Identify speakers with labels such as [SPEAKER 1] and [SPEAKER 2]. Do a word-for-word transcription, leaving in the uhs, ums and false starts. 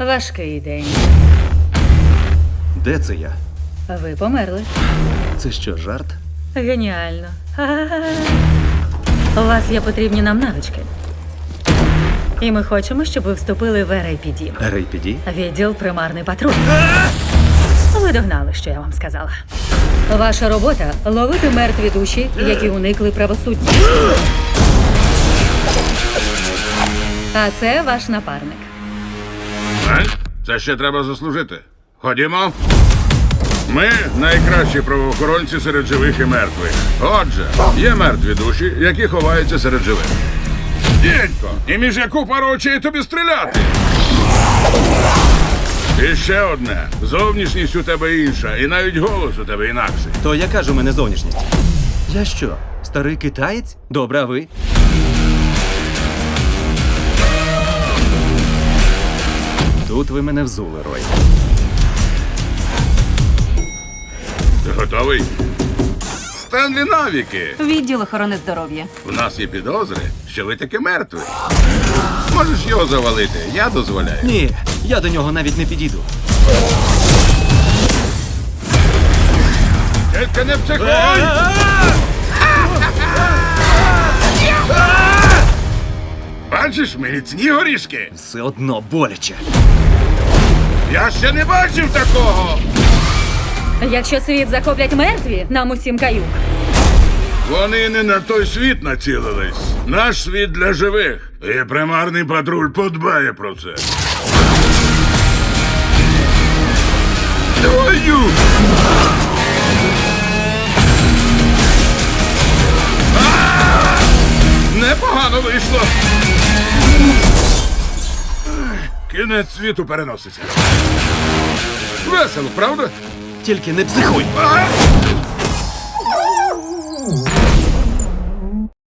[SPEAKER 1] Важкий день.
[SPEAKER 2] Де це я?
[SPEAKER 1] Ви померли.
[SPEAKER 2] Це що, жарт?
[SPEAKER 1] Геніально. Ха-ха-ха. У вас є потрібні нам навички. І ми хочемо, щоб ви вступили в ар ей пі ді.
[SPEAKER 2] ар ей пі ді?
[SPEAKER 1] Відділ примарний патруль. Ви догнали, що я вам сказала. Ваша робота – ловити мертві душі, які уникли правосуддя. А це ваш напарник.
[SPEAKER 3] Е? Це ще треба заслужити. Ходімо. Ми найкращі правоохоронці серед живих і мертвих. Отже, є мертві душі, які ховаються серед живих. Дідько, і між яку пару очей тобі стріляти? І ще одне. Зовнішність у тебе інша, і навіть голос у тебе інакший.
[SPEAKER 2] То яка ж у мене зовнішність? Я що, старий китаєць? Добре, а ви? Тут ви мене взули, Рой.
[SPEAKER 3] Ти готовий? Стенлі навіки.
[SPEAKER 4] Відділ охорони здоров'я.
[SPEAKER 3] У нас є підозри, що ви таки мертві. Можеш його завалити, я дозволяю.
[SPEAKER 2] Ні, я до нього навіть не підійду.
[SPEAKER 3] Тільки не психуй! Бачиш, міцні горішки?
[SPEAKER 2] Все одно боляче.
[SPEAKER 3] Я ще не бачив такого!
[SPEAKER 1] Якщо світ захоплять мертві, нам усім каюк.
[SPEAKER 3] Вони не на той світ націлились. Наш світ для живих. І примарний патруль подбає про це. Твою! А! Непогано вийшло. Кінець світу переноситься. Весело, правда?
[SPEAKER 2] Тільки не психуй.
[SPEAKER 3] А!